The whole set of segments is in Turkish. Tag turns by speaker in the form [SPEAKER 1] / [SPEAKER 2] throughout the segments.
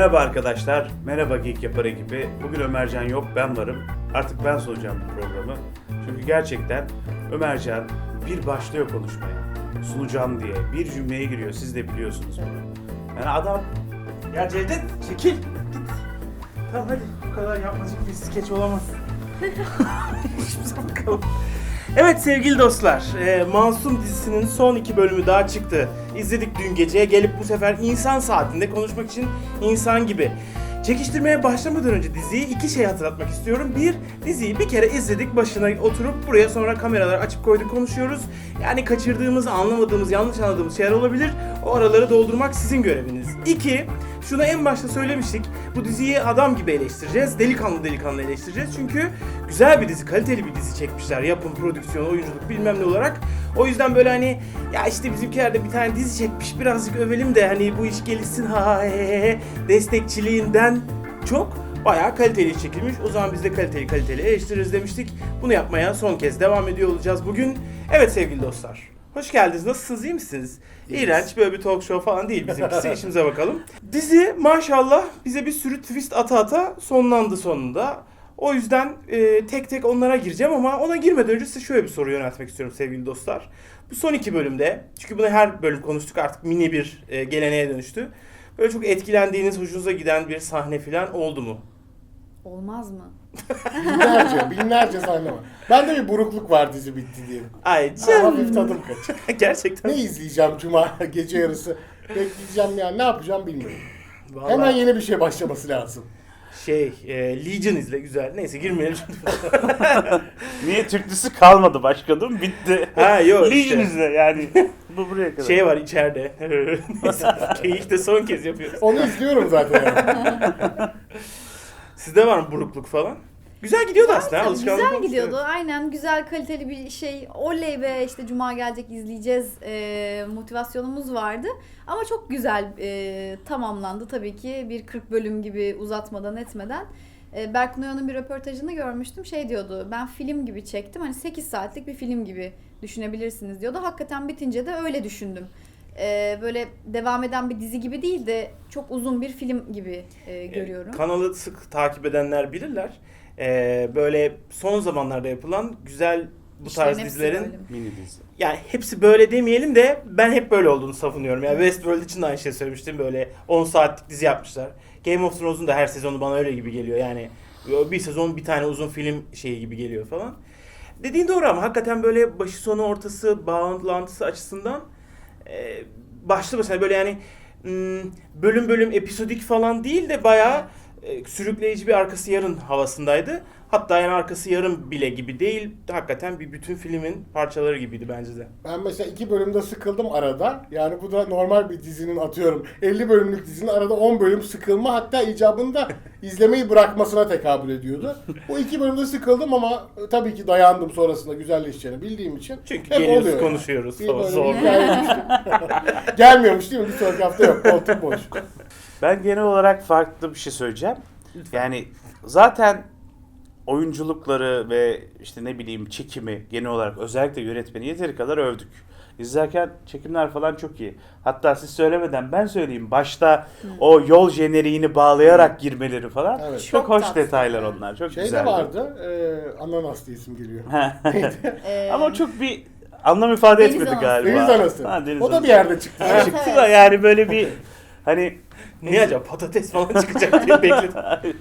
[SPEAKER 1] Merhaba arkadaşlar, merhaba Geek Yapar ekibi. Bugün Ömercan yok, ben varım. Artık ben sunacağım bu programı. Çünkü gerçekten Ömercan bir başlıyor konuşmaya. Sunacağım diye bir cümleye giriyor, siz de biliyorsunuz bunu. Yani adam... Ya Cevdet, çekil, git. Tamam hadi, bu kadar yapmacık bir skeç olamaz. Bakalım. Evet sevgili dostlar, Masum dizisinin son 2 bölümü daha çıktı. İzledik dün gece, gelip bu sefer insan saatinde konuşmak için insan gibi. Çekiştirmeye başlamadan önce diziyi 2 şey hatırlatmak istiyorum. Bir, diziyi bir kere izledik, başına oturup buraya sonra kameraları açıp koyduk konuşuyoruz. Yani kaçırdığımız, anlamadığımız, yanlış anladığımız şeyler olabilir. O araları doldurmak sizin göreviniz. 2, şunu en başta söylemiştik. Bu diziyi adam gibi eleştireceğiz. Delikanlı delikanlı eleştireceğiz. Çünkü güzel bir dizi, kaliteli bir dizi çekmişler. Yapım, prodüksiyon, oyunculuk bilmem ne olarak. O yüzden böyle hani ya işte bizimkiler de bir tane dizi çekmiş, birazcık övelim de hani bu iş gelişsin ha he he destekçiliğinden çok bayağı kaliteli iş çekilmiş. O zaman biz de kaliteli eleştiririz demiştik. Bunu yapmaya son kez devam ediyor olacağız bugün. Evet sevgili dostlar. Hoş geldiniz. Nasılsınız? İyi misiniz? İğrenç böyle bir talk show falan değil bizimkisi. İşimize bakalım. Dizi maşallah bize bir sürü twist ata sonlandı sonunda. O yüzden tek tek onlara gireceğim ama ona girmeden önce size şöyle bir soru yöneltmek istiyorum sevgili dostlar. Bu son 2 bölümde, çünkü bunu her bölüm konuştuk artık mini bir geleneğe dönüştü. Böyle çok etkilendiğiniz, hoşunuza giden bir sahne falan oldu mu?
[SPEAKER 2] Olmaz mı?
[SPEAKER 3] Binlerce sahne var. Bende bir burukluk var dizi bitti diye.
[SPEAKER 1] Ay
[SPEAKER 3] Hafif tadım kaç.
[SPEAKER 1] Gerçekten.
[SPEAKER 3] Ne izleyeceğim cuma gece yarısı? Bekleyeceğim yani ne yapacağım bilmiyorum.
[SPEAKER 1] Vallahi
[SPEAKER 3] Hemen yeni bir şey başlaması lazım.
[SPEAKER 1] Legion izle güzel. Neyse girmeyelim şimdi.
[SPEAKER 4] Niye Türkçesi kalmadı başkanım? Bitti.
[SPEAKER 1] Ha yok
[SPEAKER 4] Legion
[SPEAKER 1] işte.
[SPEAKER 4] izle yani. Bu buraya kadar.
[SPEAKER 1] Şey var içeride. Neyse keyif de son kez yapıyoruz.
[SPEAKER 3] Onu izliyorum zaten yani.
[SPEAKER 1] Sizde var mı burukluk falan? Güzel gidiyordu aslında. Alışkanlık
[SPEAKER 2] Güzel
[SPEAKER 1] olmuş,
[SPEAKER 2] gidiyordu.
[SPEAKER 1] evet.
[SPEAKER 2] Aynen güzel kaliteli bir şey. Oley be işte cuma gelecek izleyeceğiz motivasyonumuz vardı. Ama çok güzel tamamlandı tabii ki. Bir 40 bölüm gibi uzatmadan etmeden. Berkun Oya'nın bir röportajını görmüştüm. Şey diyordu, ben film gibi çektim. Hani 8 saatlik bir film gibi düşünebilirsiniz diyordu. Hakikaten bitince de öyle düşündüm. Böyle devam eden bir dizi gibi değil de çok uzun bir film gibi görüyorum.
[SPEAKER 1] Kanalı sık takip edenler bilirler. Böyle son zamanlarda yapılan güzel bu
[SPEAKER 2] İşlerin
[SPEAKER 1] tarz
[SPEAKER 2] hepsi
[SPEAKER 1] dizilerin
[SPEAKER 2] böyle.
[SPEAKER 4] Mini dizi.
[SPEAKER 1] yani hepsi böyle demeyelim de ben hep böyle olduğunu savunuyorum. Yani Westworld için de aynı şey söylemiştim. Böyle 10 saatlik dizi yapmışlar. Game of Thrones'un da her sezonu bana öyle gibi geliyor. Yani bir sezon bir tane uzun film şeyi gibi geliyor falan. Dediğin doğru ama hakikaten böyle başı sonu ortası bağlantısı açısından başlı başına böyle yani bölüm bölüm episodik falan değil de bayağı sürükleyici bir arkası yarın havasındaydı. Hatta yani arkası yarım bile gibi değil. Hakikaten bir bütün filmin parçaları gibiydi bence de.
[SPEAKER 3] Ben mesela 2 bölümde sıkıldım arada. Yani bu da normal bir dizinin atıyorum 50 bölümlük dizinin arada 10 bölüm sıkılma hatta icabında izlemeyi bırakmasına tekabül ediyordu. Bu 2 bölümde sıkıldım ama tabii ki dayandım sonrasında güzelleşeceğini bildiğim için.
[SPEAKER 1] Çünkü
[SPEAKER 3] hep
[SPEAKER 1] geliyoruz
[SPEAKER 3] oluyor
[SPEAKER 1] konuşuyoruz
[SPEAKER 3] Bir
[SPEAKER 1] falan.
[SPEAKER 3] böyle
[SPEAKER 1] Zor.
[SPEAKER 3] bir hikaye düştü. Gelmiyormuş değil mi? Bir sonraki hafta yok. Koltuk boş.
[SPEAKER 4] Ben genel olarak farklı bir şey söyleyeceğim. Yani zaten oyunculukları ve işte ne bileyim çekimi genel olarak özellikle yönetmeni yeteri kadar övdük. İzlerken çekimler falan çok iyi. Hatta siz söylemeden ben söyleyeyim. Başta o yol jeneriğini bağlayarak girmeleri falan
[SPEAKER 3] Evet.
[SPEAKER 4] çok
[SPEAKER 2] Çok
[SPEAKER 4] hoş
[SPEAKER 2] tatlı.
[SPEAKER 4] detaylar onlar. Çok
[SPEAKER 3] Şey
[SPEAKER 4] güzeldi.
[SPEAKER 3] de vardı. Ananas diye isim geliyor.
[SPEAKER 4] Ama o çok bir anlam ifade
[SPEAKER 2] Deniz
[SPEAKER 4] etmedi
[SPEAKER 2] anası.
[SPEAKER 4] galiba.
[SPEAKER 3] Deniz anası.
[SPEAKER 4] Ha, deniz
[SPEAKER 3] O da
[SPEAKER 4] anası.
[SPEAKER 3] bir yerde çıktı.
[SPEAKER 2] Evet,
[SPEAKER 4] Çıktı
[SPEAKER 2] evet.
[SPEAKER 4] da yani böyle bir hani
[SPEAKER 1] Ne acaba patates falan çıkacak diye bekledim.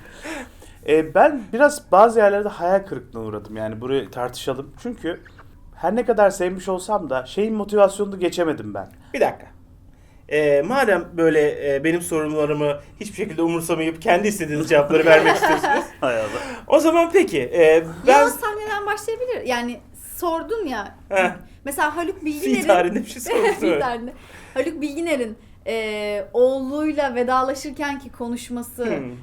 [SPEAKER 4] Ben biraz bazı yerlerde hayal kırıklığına uğradım. Yani burayı tartışalım. Çünkü her ne kadar sevmiş olsam da şeyin motivasyonunu geçemedim ben.
[SPEAKER 1] Bir dakika. Madem böyle benim sorunlarımı hiçbir şekilde umursamayıp kendi istediğiniz cevapları vermek istiyorsunuz.
[SPEAKER 4] Hay Allah.
[SPEAKER 1] O zaman peki. Ben
[SPEAKER 2] Yalnız sahneden başlayabilir. Yani sordun ya.
[SPEAKER 1] Heh.
[SPEAKER 2] Mesela Haluk
[SPEAKER 1] fi
[SPEAKER 2] Bilginer'in
[SPEAKER 1] tarihinde bir şey sormuştum.
[SPEAKER 2] fi tarihinde. Haluk Bilginer'in oğluyla vedalaşırkenki konuşması,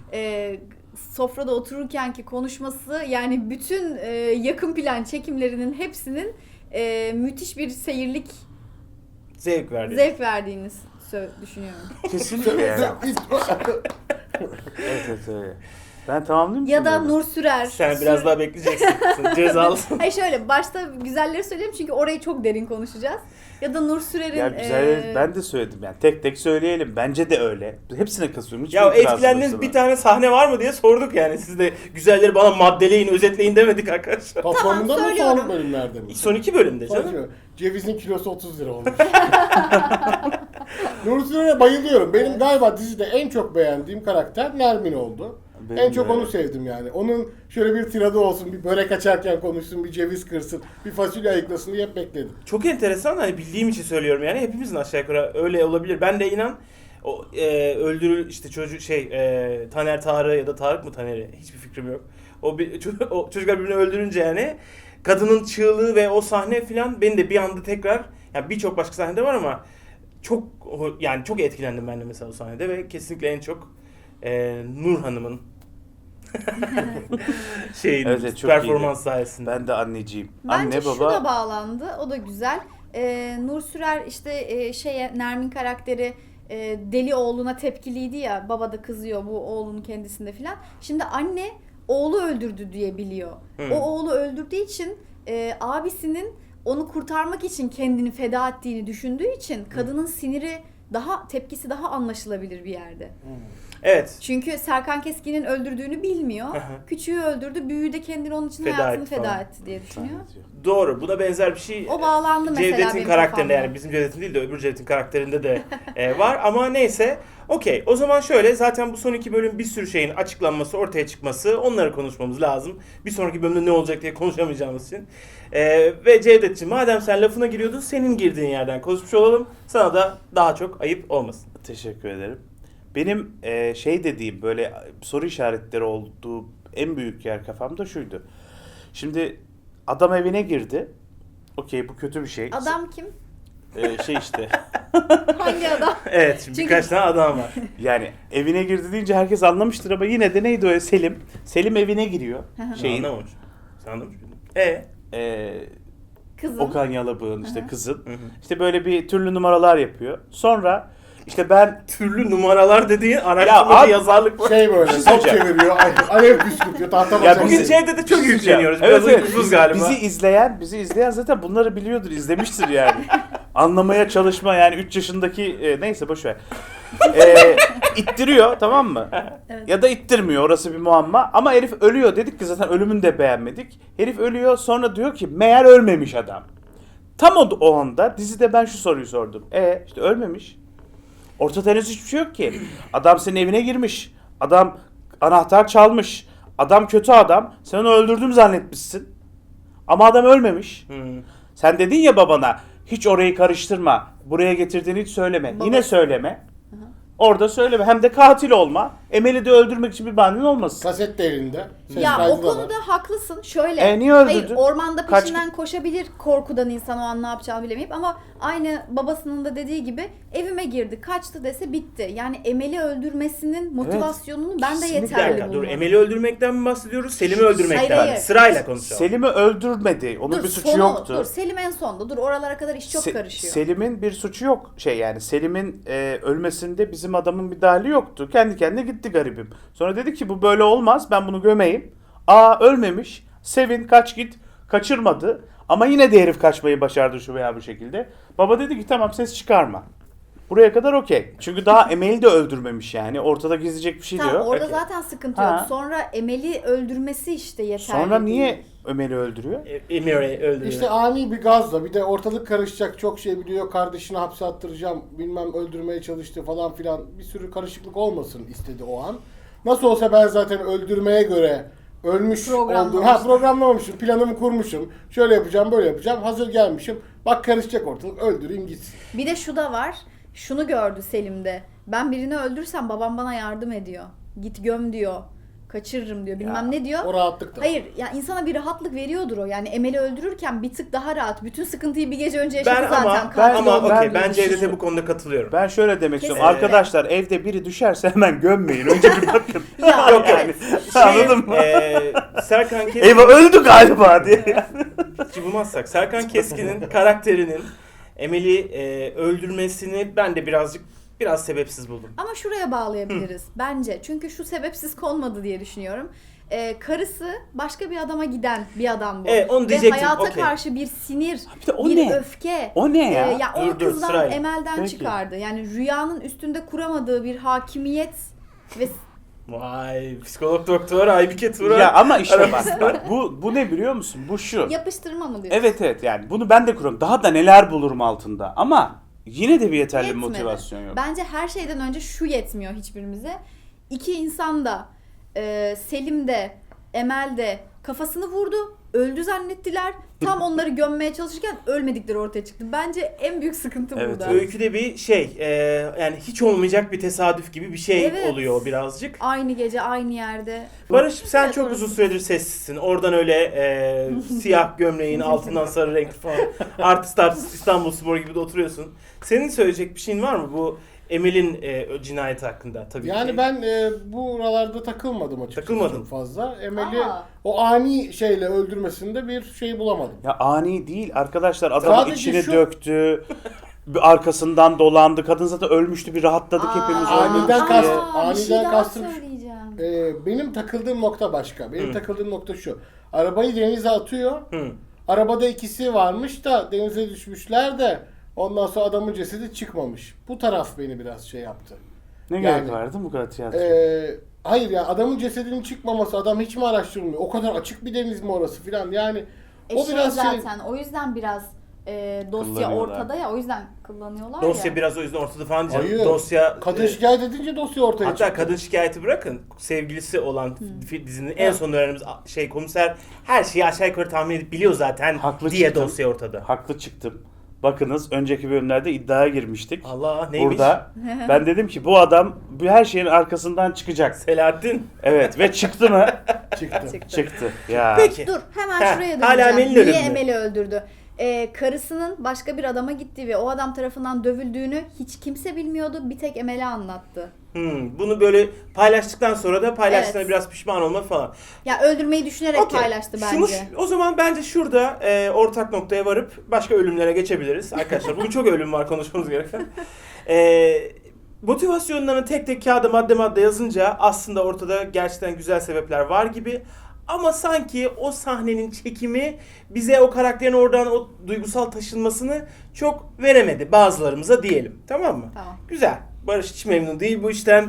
[SPEAKER 2] sofrada otururkenki konuşması yani bütün yakın plan çekimlerinin hepsinin müthiş bir seyirlik
[SPEAKER 1] Zevk verdi.
[SPEAKER 2] zevk verdiğini düşünüyorum.
[SPEAKER 4] Kesinlikle yani. Evet öyle. Ben tamamlayayım mı?
[SPEAKER 2] Ya da
[SPEAKER 4] şimdi?
[SPEAKER 2] Nur Sürer.
[SPEAKER 1] Sen biraz daha bekleyeceksin. Sen cezalısın.
[SPEAKER 2] Hayır şöyle başta güzelleri söyleyeyim çünkü orayı çok derin konuşacağız. Ya da Nur Sürer'in...
[SPEAKER 4] Ya güzel, ben de söyledim yani tek tek söyleyelim. Bence de öyle. Hepsine kasıyorum. Hiçbir
[SPEAKER 1] Ya
[SPEAKER 4] itirazım
[SPEAKER 1] etkilendiğiniz
[SPEAKER 4] yok
[SPEAKER 1] bir
[SPEAKER 4] sana.
[SPEAKER 1] tane sahne var mı diye sorduk yani. Siz de güzelleri bana maddeleyin, özetleyin demedik arkadaşlar.
[SPEAKER 3] Toplamında mı
[SPEAKER 2] söylüyorum.
[SPEAKER 3] son bölümlerde mi?
[SPEAKER 1] Son 2 bölümde canım.
[SPEAKER 3] Sonucu, cevizin kilosu 30 lira olmuş. Nur Sürer'e bayılıyorum. Benim galiba dizide en çok beğendiğim karakter Nermin oldu.
[SPEAKER 4] Benim
[SPEAKER 3] en çok
[SPEAKER 4] de.
[SPEAKER 3] onu sevdim yani. Onun şöyle bir tiradı olsun, bir börek açarken konuşsun, bir ceviz kırsın, bir fasulye ayıklasın diye hep bekledim.
[SPEAKER 1] Çok enteresan, hani bildiğim için söylüyorum yani, hepimizin aşağı yukarı öyle olabilir. Ben de inan o öldürül işte çocuk Taner Tarık ya da Tarık mı Taner'i, hiçbir fikrim yok. O çocuklar birbirini öldürünce yani kadının çığlığı ve o sahne filan beni de bir anda tekrar, yani birçok başka sahnede var ama yani çok etkilendim ben de mesela o sahnede ve kesinlikle en çok Nur Hanım'ın
[SPEAKER 4] Evet, çok
[SPEAKER 1] performans
[SPEAKER 4] iyiydi.
[SPEAKER 1] sayesinde.
[SPEAKER 4] Ben de anneciyim.
[SPEAKER 2] Bence
[SPEAKER 4] Anne
[SPEAKER 2] şu
[SPEAKER 4] baba.
[SPEAKER 2] da bağlandı. O da güzel. Nur Sürer işte Nermin karakteri deli oğluna tepkiliydi ya. Baba da kızıyor bu oğlunun kendisinde filan. Şimdi anne oğlu öldürdü diye biliyor. O oğlu öldürdüğü için abisinin onu kurtarmak için kendini feda ettiğini düşündüğü için kadının siniri tepkisi daha anlaşılabilir bir yerde.
[SPEAKER 1] Evet.
[SPEAKER 2] Çünkü Serkan Keskin'in öldürdüğünü bilmiyor. Küçüğü öldürdü, büyüğü de kendini onun için
[SPEAKER 1] Feda
[SPEAKER 2] hayatını
[SPEAKER 1] etti
[SPEAKER 2] feda
[SPEAKER 1] falan.
[SPEAKER 2] etti diye düşünüyor.
[SPEAKER 1] Doğru. Buna benzer bir şey
[SPEAKER 2] O bağlandı mesela
[SPEAKER 1] Cevdet'in
[SPEAKER 2] benim
[SPEAKER 1] karakterinde,
[SPEAKER 2] kafamda.
[SPEAKER 1] yani bizim Cevdet'in değil de öbür Cevdet'in karakterinde de var ama neyse. Okey. O zaman şöyle, zaten bu son 2 bölüm bir sürü şeyin açıklanması, ortaya çıkması, onları konuşmamız lazım. Bir sonraki bölümde ne olacak diye konuşamayacağımız için. Ve Cevdet'ciğim, madem sen lafına giriyordun, senin girdiğin yerden konuşmuş olalım. Sana da daha çok ayıp olmasın.
[SPEAKER 4] Teşekkür ederim. Benim dediğim böyle soru işaretleri olduğu en büyük yer kafamda şuydu. Şimdi adam evine girdi. Okey, bu kötü bir şey.
[SPEAKER 2] Adam kim?
[SPEAKER 4] İşte.
[SPEAKER 2] Hangi adam?
[SPEAKER 1] Evet, şimdi
[SPEAKER 2] Çünkü-
[SPEAKER 1] birkaç tane adam var.
[SPEAKER 4] Yani evine girdi deyince herkes anlamıştır ama yine de neydi o Selim? Selim evine giriyor.
[SPEAKER 1] Anlamamış. Sen anlamış mıydın?
[SPEAKER 2] Kızım.
[SPEAKER 4] Okan Yalabık'ın işte kızın.
[SPEAKER 1] Hı hı.
[SPEAKER 4] İşte böyle bir türlü numaralar yapıyor. Sonra işte ben
[SPEAKER 1] Türlü numaralar dediğin araştırmada
[SPEAKER 4] abi-
[SPEAKER 1] yazarlık var.
[SPEAKER 3] Şey böyle, top
[SPEAKER 4] söyleyeceğim.
[SPEAKER 3] çeviriyor, alev püskürtüyor, tahta
[SPEAKER 4] Ya
[SPEAKER 3] basıyor.
[SPEAKER 1] Bugün
[SPEAKER 4] bizi-
[SPEAKER 1] Cevdet'e çok yükleniyoruz.
[SPEAKER 4] Evet,
[SPEAKER 1] Biraz
[SPEAKER 4] evet.
[SPEAKER 1] uykusuz galiba.
[SPEAKER 4] Bizi izleyen zaten bunları biliyordur, izlemiştir yani. Anlamaya çalışma yani 3 yaşındaki neyse boş ver. İttiriyor, tamam mı?
[SPEAKER 2] Evet.
[SPEAKER 4] Ya da ittirmiyor, orası bir muamma. Ama herif ölüyor, dedik ki zaten ölümünü de beğenmedik. Herif ölüyor, sonra diyor ki meğer ölmemiş adam. Tam o anda dizide ben şu soruyu sordum. İşte ölmemiş. Ortada henüz hiçbir şey yok ki. Adam senin evine girmiş. Adam anahtar çalmış. Adam kötü adam. Sen onu öldürdüm zannetmişsin. Ama adam ölmemiş. Sen dedin ya babana, hiç orayı karıştırma. Buraya getirdiğini hiç söyleme.
[SPEAKER 2] Baba-
[SPEAKER 4] Yine söyleme. Orada söyleme. Hem de katil olma. Emel'i de öldürmek için bir bahanen olmasın.
[SPEAKER 3] Kaset de elinde. Ses
[SPEAKER 2] Ya
[SPEAKER 3] kaydı
[SPEAKER 2] o
[SPEAKER 3] da var.
[SPEAKER 2] konuda haklısın. Şöyle.
[SPEAKER 4] Niye öldürdün?
[SPEAKER 2] Hayır, ormanda
[SPEAKER 4] Kaç-
[SPEAKER 2] peşinden koşabilir korkudan insan, o an ne yapacağını bilemeyip, ama aynı babasının da dediği gibi evime girdi, kaçtı dese bitti. Yani Emel'i öldürmesinin motivasyonunu ben de
[SPEAKER 4] Kesinlikle.
[SPEAKER 1] Bir
[SPEAKER 2] yeterli
[SPEAKER 1] dakika, dur,
[SPEAKER 2] bulmadım.
[SPEAKER 1] Emel'i öldürmekten mi bahsediyoruz? Selim'i öldürmekten
[SPEAKER 2] Hayır.
[SPEAKER 1] mi? Sırayla konuşalım.
[SPEAKER 4] Selim'i öldürmedi. Onun bir suçu yoktu.
[SPEAKER 2] Dur, Selim en sonda. Dur, oralara kadar iş çok karışıyor.
[SPEAKER 4] Selim'in bir suçu yok. Yani Selim'in ölmesinde bizim adamın bir dahili yoktu. Kendi kendine gitti garibim. Sonra dedi ki bu böyle olmaz, ben bunu gömeyim. Ölmemiş. Sevin, kaç git. Kaçırmadı. Ama yine de herif kaçmayı başardı şu veya bu şekilde. Baba dedi ki tamam, ses çıkarma. Buraya kadar okey. Çünkü daha Emel'i de öldürmemiş yani. Ortada gizleyecek bir şey de
[SPEAKER 2] Tamam,
[SPEAKER 4] yok.
[SPEAKER 2] orada
[SPEAKER 1] Okey.
[SPEAKER 2] zaten sıkıntı
[SPEAKER 4] Ha.
[SPEAKER 2] yok. Sonra Emel'i öldürmesi işte yeterli
[SPEAKER 4] Sonra
[SPEAKER 2] değil.
[SPEAKER 4] niye Emel'i öldürüyor?
[SPEAKER 1] Emel'i öldürüyor.
[SPEAKER 3] İşte ani bir gazla, bir de ortalık karışacak, çok şey biliyor, kardeşini hapse attıracağım, bilmem öldürmeye çalıştı falan filan, bir sürü karışıklık olmasın istedi o an. Nasıl olsa ben zaten öldürmeye göre ölmüş
[SPEAKER 2] Programlamıştım.
[SPEAKER 3] olduğum, programlamamışım, planımı kurmuşum, şöyle yapacağım, böyle yapacağım, hazır gelmişim, bak karışacak ortalık, öldüreyim gitsin.
[SPEAKER 2] Bir de şu da var. Şunu gördü Selim'de. Ben birini öldürsem babam bana yardım ediyor. Git göm diyor. Kaçırırım diyor. Bilmem
[SPEAKER 4] Ya,
[SPEAKER 2] ne diyor.
[SPEAKER 3] O rahatlık da.
[SPEAKER 2] Hayır ya, insana bir rahatlık veriyordur o. Yani Emel'i öldürürken bir tık daha rahat. Bütün sıkıntıyı bir gece önce yaşadı
[SPEAKER 1] Ben
[SPEAKER 2] zaten.
[SPEAKER 1] ama
[SPEAKER 2] Katil
[SPEAKER 1] ama
[SPEAKER 2] oldu.
[SPEAKER 1] okey,
[SPEAKER 4] ben
[SPEAKER 1] ben
[SPEAKER 4] bir şey
[SPEAKER 1] Cevdet'e
[SPEAKER 4] sor-
[SPEAKER 1] bu konuda katılıyorum.
[SPEAKER 4] Ben şöyle demek istiyorum.
[SPEAKER 2] Kesinlikle.
[SPEAKER 4] Arkadaşlar, evde biri düşerse hemen gömmeyin. Önce bir bakın.
[SPEAKER 2] Ya,
[SPEAKER 1] Yok
[SPEAKER 2] evet.
[SPEAKER 4] Anladın mı?
[SPEAKER 1] Serkan Keskin,
[SPEAKER 4] Eyvah öldü galiba diye.
[SPEAKER 1] hiç bulmazsak, Serkan Keskin'in karakterinin Emel'i öldürmesini ben de birazcık Biraz sebepsiz buldum.
[SPEAKER 2] Ama şuraya bağlayabiliriz bence. Çünkü şu sebepsiz konmadı diye düşünüyorum. Karısı başka bir adama giden bir adam bu.
[SPEAKER 1] Evet, onu
[SPEAKER 2] Ve
[SPEAKER 1] diyecektim.
[SPEAKER 2] hayata
[SPEAKER 1] Okey.
[SPEAKER 2] karşı bir sinir,
[SPEAKER 4] Bir de o
[SPEAKER 2] bir
[SPEAKER 4] ne?
[SPEAKER 2] öfke.
[SPEAKER 4] O ne ya?
[SPEAKER 2] Ya o
[SPEAKER 1] Dur,
[SPEAKER 2] kızdan
[SPEAKER 1] sırayla.
[SPEAKER 2] Emel'den
[SPEAKER 4] Peki.
[SPEAKER 2] çıkardı. Yani rüyanın üstünde kuramadığı bir hakimiyet ve
[SPEAKER 1] Vay, psikolog doktor Aybike Turan.
[SPEAKER 4] Ya ama işte bak bu ne biliyor musun? Bu şu.
[SPEAKER 2] yapıştırma mı diyorsun?
[SPEAKER 4] Evet yani bunu ben de kuruyorum. Daha da neler bulurum altında. Ama yine de bir yeterli
[SPEAKER 2] Yetmedi.
[SPEAKER 4] motivasyon yok.
[SPEAKER 2] Bence her şeyden önce şu yetmiyor hiçbirimize. İki insan da Selim de Emel de kafasını vurdu. Öldü zannettiler. Tam onları gömmeye çalışırken ölmedikleri ortaya çıktı. Bence en büyük sıkıntı
[SPEAKER 4] Evet,
[SPEAKER 2] burada.
[SPEAKER 1] Öyküde bir şey, yani hiç olmayacak bir tesadüf gibi bir şey
[SPEAKER 2] Evet.
[SPEAKER 1] oluyor birazcık.
[SPEAKER 2] Aynı gece aynı yerde.
[SPEAKER 1] Barış, sen
[SPEAKER 2] Evet,
[SPEAKER 1] çok
[SPEAKER 2] orası.
[SPEAKER 1] uzun süredir sessizsin. Oradan öyle siyah gömleğin altından sarı renkli falan artist İstanbulspor gibi de oturuyorsun. Senin söyleyecek bir şeyin var mı bu Emel'in cinayeti hakkında tabii ki?
[SPEAKER 3] Yani ben buralarda takılmadım açıkçası
[SPEAKER 1] Takılmadın.
[SPEAKER 3] çok fazla. Emel'i
[SPEAKER 2] Aa.
[SPEAKER 3] o ani şeyle öldürmesinde bir şey bulamadım.
[SPEAKER 4] Ya ani değil arkadaşlar. Adamın
[SPEAKER 3] Sadece
[SPEAKER 4] içine
[SPEAKER 3] şu-
[SPEAKER 4] döktü. Bir arkasından dolandı. Kadın zaten ölmüştü. Bir rahatladık hepimiz.
[SPEAKER 3] Aniden
[SPEAKER 4] ölmüş
[SPEAKER 3] kast-
[SPEAKER 4] diye.
[SPEAKER 2] Bir şey
[SPEAKER 3] aniden
[SPEAKER 2] daha
[SPEAKER 3] kastım-
[SPEAKER 2] söyleyeceğim.
[SPEAKER 3] Benim takıldığım nokta başka. Benim takıldığım nokta şu. Arabayı denize atıyor.
[SPEAKER 1] Hı.
[SPEAKER 3] Arabada ikisi varmış da denize düşmüşler de ondan sonra adamın cesedi çıkmamış. Bu taraf beni biraz şey yaptı.
[SPEAKER 4] Ne
[SPEAKER 3] Yani-
[SPEAKER 4] gerek vardı bu kadar tiyatro?
[SPEAKER 3] Hayır ya, adamın cesedinin çıkmaması, adam hiç mi araştırmıyor? O kadar açık bir deniz mi orası filan, yani o biraz şey.
[SPEAKER 2] zaten o yüzden biraz dosya
[SPEAKER 4] Kullanıyorlar.
[SPEAKER 2] ortada ya, o yüzden kullanıyorlar
[SPEAKER 1] Dosya
[SPEAKER 2] ya.
[SPEAKER 1] biraz o yüzden ortada falan diyeceğim.
[SPEAKER 3] Hayır.
[SPEAKER 1] Dosya
[SPEAKER 3] Kadın şikayet edince dosya ortaya
[SPEAKER 1] hatta
[SPEAKER 3] çıktı.
[SPEAKER 1] kadın şikayeti bırakın. Sevgilisi olan dizinin en son öğrenimiz komiser her şeyi aşağı yukarı tahmin edip biliyor zaten
[SPEAKER 4] Haklı
[SPEAKER 1] diye
[SPEAKER 4] çıktım.
[SPEAKER 1] dosya ortada.
[SPEAKER 4] Haklı çıktım. Bakınız önceki bölümlerde iddiaya girmiştik.
[SPEAKER 1] Allah, neymiş?
[SPEAKER 4] Burada ben dedim ki bu adam bu her şeyin arkasından çıkacak.
[SPEAKER 1] Selahattin.
[SPEAKER 4] Evet ve çıktı mı?
[SPEAKER 3] Çıktı.
[SPEAKER 4] Çıktı. Ya.
[SPEAKER 1] Peki.
[SPEAKER 2] Dur hemen
[SPEAKER 1] Heh,
[SPEAKER 2] şuraya
[SPEAKER 1] hala
[SPEAKER 2] döneceğim.
[SPEAKER 1] Emel'in
[SPEAKER 2] Niye
[SPEAKER 1] ölümü.
[SPEAKER 2] Emel'i öldürdü? Karısının başka bir adama gittiği ve o adam tarafından dövüldüğünü hiç kimse bilmiyordu. Bir tek Emel'e anlattı.
[SPEAKER 1] Bunu böyle paylaştıktan sonra da paylaştığına
[SPEAKER 2] Evet.
[SPEAKER 1] biraz pişman olma falan.
[SPEAKER 2] Ya öldürmeyi düşünerek
[SPEAKER 1] Okey.
[SPEAKER 2] paylaştı bence.
[SPEAKER 1] O zaman bence şurada ortak noktaya varıp başka ölümlere geçebiliriz. Arkadaşlar bugün çok ölüm var konuşmamız gereken. Motivasyonlarını tek tek kağıda madde yazınca aslında ortada gerçekten güzel sebepler var gibi. Ama sanki o sahnenin çekimi bize o karakterin oradan o duygusal taşınmasını çok veremedi bazılarımıza diyelim. Tamam mı?
[SPEAKER 2] Tamam.
[SPEAKER 1] Güzel. Barış hiç memnun değil bu işten.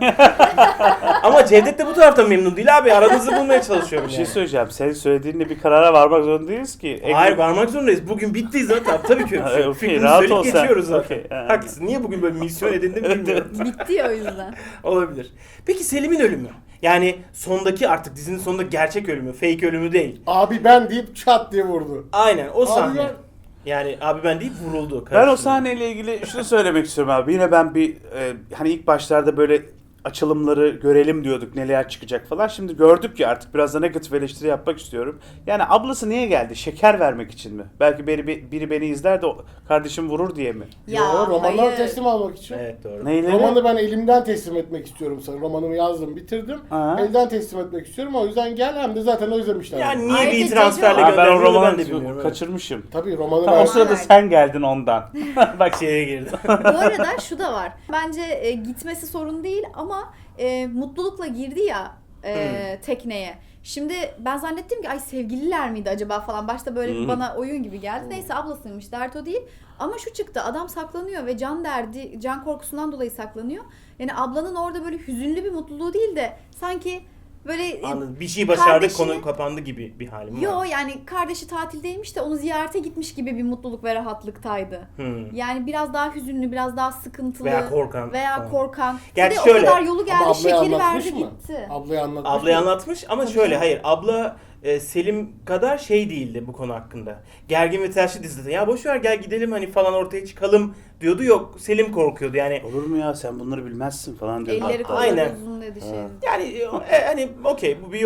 [SPEAKER 1] Ama Cevdet de bu taraftan memnun değil abi. Aranızı bulmaya çalışıyorum
[SPEAKER 4] Bir
[SPEAKER 1] yani.
[SPEAKER 4] şey söyleyeceğim. Senin söylediğinle bir karara varmak zorundayız ki.
[SPEAKER 1] Hayır, varmak zorundayız. Bugün bitti zaten. Tabii ki öyle bir şey. yok.
[SPEAKER 4] Okey,
[SPEAKER 1] Fikrimizi
[SPEAKER 4] rahat
[SPEAKER 1] söyleyip
[SPEAKER 4] ol sen.
[SPEAKER 1] geçiyoruz zaten.
[SPEAKER 4] Okey, yani.
[SPEAKER 1] Haklısın. Niye bugün böyle misyon edindim bilmiyorum.
[SPEAKER 2] Bitti ya o yüzden.
[SPEAKER 1] Olabilir. Peki Selim'in ölümü? Yani sondaki, artık dizinin sonunda gerçek ölümü. Fake ölümü değil.
[SPEAKER 3] Abi ben deyip çat diye vurdu.
[SPEAKER 1] Aynen o sahne.
[SPEAKER 3] ya-
[SPEAKER 1] Yani abi ben deyip vuruldu.
[SPEAKER 4] Ben o
[SPEAKER 1] karıştırdı.
[SPEAKER 4] sahneyle ilgili şunu söylemek istiyorum abi. Yine ben bir hani ilk başlarda böyle açılımları görelim diyorduk, neler çıkacak falan. Şimdi gördük ya, artık biraz da negatif eleştiri yapmak istiyorum. Yani ablası niye geldi? Şeker vermek için mi? Belki biri beni izler de kardeşim vurur diye mi?
[SPEAKER 3] Yo, romanları
[SPEAKER 2] hayır.
[SPEAKER 3] teslim almak için.
[SPEAKER 1] Evet, doğru.
[SPEAKER 4] Neyle?
[SPEAKER 3] Romanı ben elimden teslim etmek istiyorum sana. Romanımı yazdım, bitirdim.
[SPEAKER 4] Aha.
[SPEAKER 3] Elden teslim etmek istiyorum. O yüzden gel, hem de zaten özlemişler.
[SPEAKER 1] Yani niye
[SPEAKER 2] Ayrıca
[SPEAKER 1] bir transferle
[SPEAKER 4] Aa, ben o
[SPEAKER 1] gönderdiğini ben
[SPEAKER 4] romanı
[SPEAKER 1] de bilmiyorum. Evet.
[SPEAKER 4] kaçırmışım.
[SPEAKER 3] Tabii romanı
[SPEAKER 4] Tam
[SPEAKER 3] ben...
[SPEAKER 4] o sırada sen geldin ondan. Bak
[SPEAKER 1] Şeye girdi.
[SPEAKER 2] Bu arada şu da var. Bence gitmesi sorun değil ama mutlulukla girdi ya tekneye. Şimdi ben zannettim ki ay sevgililer miydi acaba falan. Başta böyle bir bana oyun gibi geldi. Neyse ablasıymış, dert o değil. Ama şu çıktı, adam saklanıyor ve can korkusundan dolayı saklanıyor. Yani ablanın orada böyle hüzünlü bir mutluluğu değil de sanki böyle
[SPEAKER 1] Anladım. Bir şey başardık,
[SPEAKER 2] kardeşini-
[SPEAKER 1] konu kapandı gibi bir halim
[SPEAKER 2] yo
[SPEAKER 1] var.
[SPEAKER 2] yani kardeşi tatildeymiş de onu ziyarete gitmiş gibi bir mutluluk ve rahatlıktaydı. Yani biraz daha hüzünlü, biraz daha sıkıntılı
[SPEAKER 1] Veya korkan
[SPEAKER 2] veya
[SPEAKER 1] falan.
[SPEAKER 2] korkan.
[SPEAKER 1] Gerçi
[SPEAKER 2] Bir de
[SPEAKER 1] şöyle,
[SPEAKER 2] o kadar yolu
[SPEAKER 3] Ama
[SPEAKER 2] geldi,
[SPEAKER 3] ablayı
[SPEAKER 2] şekeri
[SPEAKER 3] anlatmış
[SPEAKER 2] verdi
[SPEAKER 3] mı?
[SPEAKER 2] gitti.
[SPEAKER 3] Ablayı anlatmış
[SPEAKER 1] Ablayı
[SPEAKER 3] mı?
[SPEAKER 1] anlatmış ama
[SPEAKER 2] Tabii
[SPEAKER 1] şöyle,
[SPEAKER 2] canım.
[SPEAKER 1] hayır, abla Selim kadar şey değildi bu konu hakkında. Gergin ve telaşlı dizide. Ya boş ver, gel gidelim hani falan, ortaya çıkalım diyordu. Yok, Selim korkuyordu yani.
[SPEAKER 4] olur mu ya, sen bunları bilmezsin falan diyor.
[SPEAKER 2] Elleri kolları
[SPEAKER 1] Aynen.
[SPEAKER 2] uzun dedi şey.
[SPEAKER 1] Yani hani okey, bu bir yorum.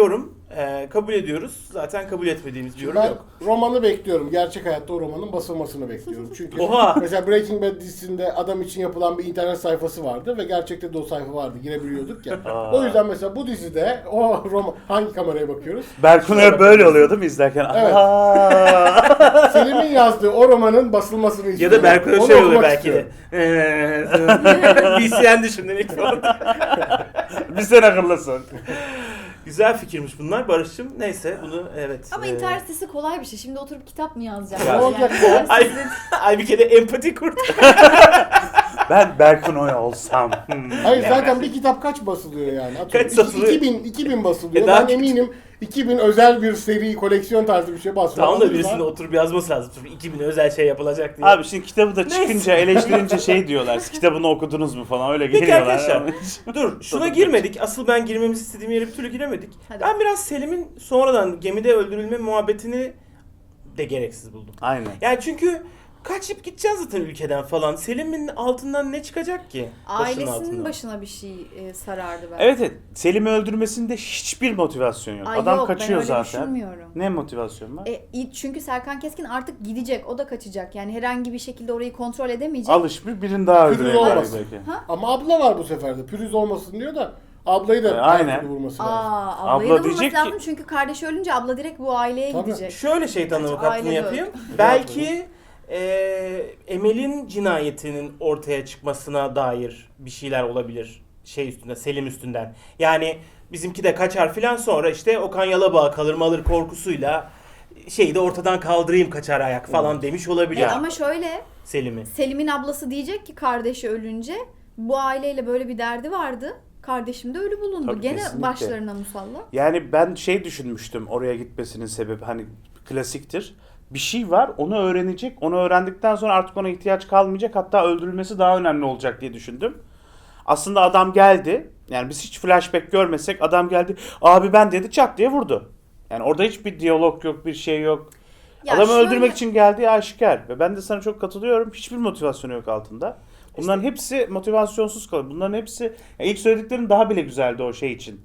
[SPEAKER 1] Kabul ediyoruz. Zaten kabul etmediğimiz bir yorum
[SPEAKER 3] Ben
[SPEAKER 1] yok.
[SPEAKER 3] romanı bekliyorum. Gerçek hayatta o romanın basılmasını bekliyorum. Çünkü
[SPEAKER 1] Oha!
[SPEAKER 3] mesela Breaking Bad dizisinde adam için yapılan bir internet sayfası vardı ve gerçekte de o sayfa vardı. Girebiliyorduk ya. O yüzden mesela bu dizide o roman... Hangi kameraya bakıyoruz?
[SPEAKER 4] Berkun'a böyle oluyor değil mi izlerken?
[SPEAKER 3] Evet.
[SPEAKER 4] Aa!
[SPEAKER 3] Selim'in yazdığı o romanın basılmasını
[SPEAKER 1] Ya
[SPEAKER 3] istiyorum.
[SPEAKER 1] da Berkun'a
[SPEAKER 3] Onu
[SPEAKER 1] şey oluyor
[SPEAKER 3] okumak
[SPEAKER 1] belki de. BCN düşündün ilk falan.
[SPEAKER 4] Bir sen akıllısın.
[SPEAKER 1] Güzel fikirmiş bunlar Barış'cığım. Neyse bunu evet.
[SPEAKER 2] Ama internet sitesi kolay bir şey. Şimdi oturup kitap mı yazacağım?
[SPEAKER 3] Ya, olacak
[SPEAKER 2] Yani internet
[SPEAKER 1] Ay,
[SPEAKER 2] sitesi-
[SPEAKER 1] ay bir kere empati kurt.
[SPEAKER 4] Ben Berkun Oy olsam.
[SPEAKER 3] Hayır zaten bir kitap kaç basılıyor yani? Atıyorum,
[SPEAKER 1] Kaç satılıyor?
[SPEAKER 3] 2000 basılıyor.
[SPEAKER 1] Daha
[SPEAKER 3] Ben eminim 2000 özel bir seri koleksiyon tarzı bir şey basıyor.
[SPEAKER 1] Tamam da
[SPEAKER 3] Alırlar.
[SPEAKER 1] birisinin oturup yazması lazım. Tabii 2000 özel şey yapılacak diye.
[SPEAKER 4] Abi şimdi kitabı da
[SPEAKER 1] Neyse.
[SPEAKER 4] çıkınca eleştirince şey diyorlar. Siz kitabını okudunuz mu falan öyle
[SPEAKER 1] Peki
[SPEAKER 4] geliyorlar.
[SPEAKER 1] arkadaşlar, dur şuna girmedik. Asıl ben girmemizi istediğim yere bir türlü giremedik.
[SPEAKER 2] Hadi.
[SPEAKER 1] Ben biraz Selim'in sonradan gemide öldürülme muhabbetini de gereksiz buldum.
[SPEAKER 4] Aynen.
[SPEAKER 1] Yani çünkü kaçıp gideceğiz zaten ülkeden falan. Selim'in altından ne çıkacak ki? Başının
[SPEAKER 2] Ailesinin
[SPEAKER 1] altından.
[SPEAKER 2] başına bir şey sarardı belki.
[SPEAKER 4] Evet evet. Selim'i öldürmesinde hiçbir motivasyon yok.
[SPEAKER 2] Ay
[SPEAKER 4] Adam
[SPEAKER 2] yok,
[SPEAKER 4] kaçıyor
[SPEAKER 2] ben öyle
[SPEAKER 4] zaten.
[SPEAKER 2] düşünmüyorum.
[SPEAKER 4] Ne motivasyon var?
[SPEAKER 2] Çünkü Serkan Keskin artık gidecek, o da kaçacak. Yani herhangi bir şekilde orayı kontrol edemeyecek.
[SPEAKER 4] Alışmış birini daha
[SPEAKER 3] Pürüz
[SPEAKER 4] öldürecekler
[SPEAKER 3] olmasın.
[SPEAKER 4] belki.
[SPEAKER 3] Ama abla var bu sefer de. Pürüz olmasın diyor da ablayı da
[SPEAKER 4] Aynen.
[SPEAKER 3] her türlü vurması lazım.
[SPEAKER 2] Ablayı
[SPEAKER 4] Abla
[SPEAKER 2] da bulması
[SPEAKER 4] diyecek
[SPEAKER 2] lazım
[SPEAKER 4] ki-
[SPEAKER 2] çünkü kardeşi ölünce abla direkt bu aileye
[SPEAKER 3] Tabii.
[SPEAKER 2] gidecek.
[SPEAKER 1] Şöyle şeytan avukatlığını
[SPEAKER 2] Aile
[SPEAKER 1] yapayım.
[SPEAKER 2] yok.
[SPEAKER 1] Belki Emel'in cinayetinin ortaya çıkmasına dair bir şeyler olabilir. Şey üstünde, Selim üstünden. Yani bizimki de kaçar filan sonra işte Okan Yalabağ kalır malır korkusuyla şeyi de ortadan kaldırayım kaçar ayak falan demiş olabilir
[SPEAKER 2] Evet, ama şöyle
[SPEAKER 1] Selim'i.
[SPEAKER 2] Selim'in ablası diyecek ki kardeşi ölünce bu aileyle böyle bir derdi vardı. Kardeşim de ölü bulundu.
[SPEAKER 4] Tabii,
[SPEAKER 2] Gene
[SPEAKER 4] kesinlikle.
[SPEAKER 2] başlarına musallat.
[SPEAKER 4] Yani ben şey düşünmüştüm oraya gitmesinin sebebi hani klasiktir. Bir şey var onu öğrenecek. Onu öğrendikten sonra artık ona ihtiyaç kalmayacak. Hatta öldürülmesi daha önemli olacak diye düşündüm. Aslında adam geldi. Yani biz hiç flashback görmesek adam geldi. Abi ben dedi çat diye vurdu. Yani orada hiçbir diyalog yok, bir şey yok.
[SPEAKER 2] Ya
[SPEAKER 4] Adamı
[SPEAKER 2] şöyle-
[SPEAKER 4] öldürmek için geldiği aşikar. Ve ben de sana çok katılıyorum. Hiçbir motivasyonu yok altında. Bunların hepsi motivasyonsuz kalıyor. Bunların hepsi ya ilk söylediklerim daha bile güzeldi o şey için.